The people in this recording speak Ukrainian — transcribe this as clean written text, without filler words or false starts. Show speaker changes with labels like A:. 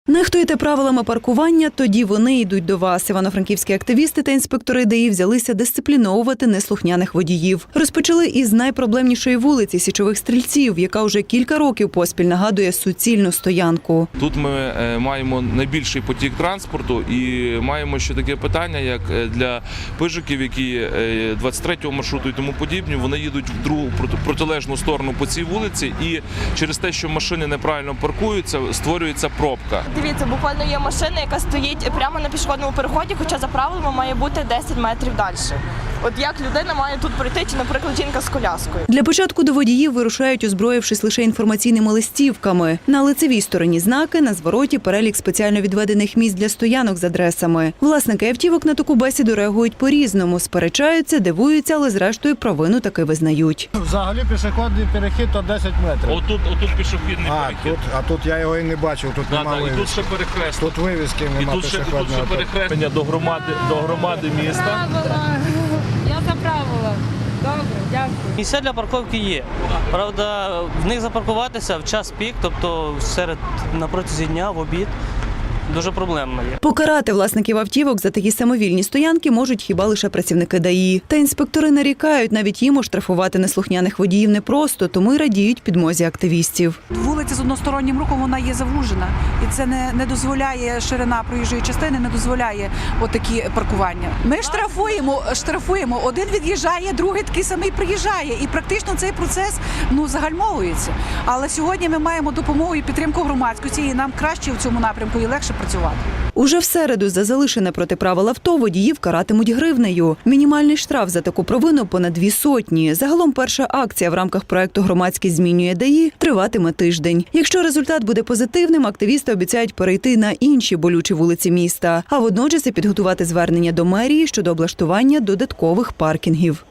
A: Нехтуєте правилами паркування, тоді вони йдуть до вас. Івано-франківські активісти та інспектори ДАІ взялися дисципліновувати неслухняних водіїв. Розпочали із найпроблемнішої вулиці Січових Стрільців, яка вже кілька років поспіль нагадує суцільну стоянку.
B: Тут ми маємо найбільший потік транспорту і маємо ще таке питання, як для пижиків, які 23-го маршруту і тому подібні, вони їдуть в другу протилежну сторону по цій вулиці, і через те, що машини неправильно паркуються, створюється пробка.
C: Дивіться, буквально є машина, яка стоїть прямо на пішохідному переході, хоча за правилами має бути 10 метрів далі. От як людина має тут пройти, чи, наприклад, жінка з коляскою?
A: Для початку до водіїв вирушають, озброївшись лише інформаційними листівками. На лицевій стороні знаки, на звороті перелік спеціально відведених місць для стоянок з адресами. Власники автівок на таку бесіду реагують по-різному, сперечаються, дивуються, але зрештою провину таки визнають.
D: Взагалі пішохідний перехід – то 10 метрів.
B: Отут пішохідний перехід.
D: А тут я його і не бачив, тут немає вивіски.
B: І тут ще перехрестя.
D: Тут вивіски немає пішохідного.
B: І тут ще перехрестя до громади міста.
E: Я за правила. Добре, дякую.
F: Місця для парковки є. Правда, в них запаркуватися в час пік, тобто на протязі дня, в обід, дуже проблемно є.
A: Покарати власників автівок за такі самовільні стоянки можуть хіба лише працівники ДАІ. Та інспектори нарікають, навіть їм оштрафувати неслухняних водіїв непросто, тому й радіють підмозі активістів.
G: Вулиця з одностороннім рухом, вона є завужена. І це не дозволяє, ширина проїжджої частини не дозволяє отакі паркування. Ми штрафуємо. Один від'їжджає, другий такий самий приїжджає. І практично цей процес загальмовується. Але сьогодні ми маємо допомогу і підтримку громадськості, і нам краще в цьому напрямку і легше працювати.
A: Уже в середу за залишене проти правил авто водіїв каратимуть гривнею. Мінімальний штраф за таку провину понад 200. Загалом перша акція в рамках проекту «Громадськість змінює ДАІ» триватиме тиждень. Якщо результат буде позитивним, активісти обіцяють перейти на інші болючі вулиці міста, а водночас і підготувати звернення до мерії щодо облаштування додаткових паркінгів.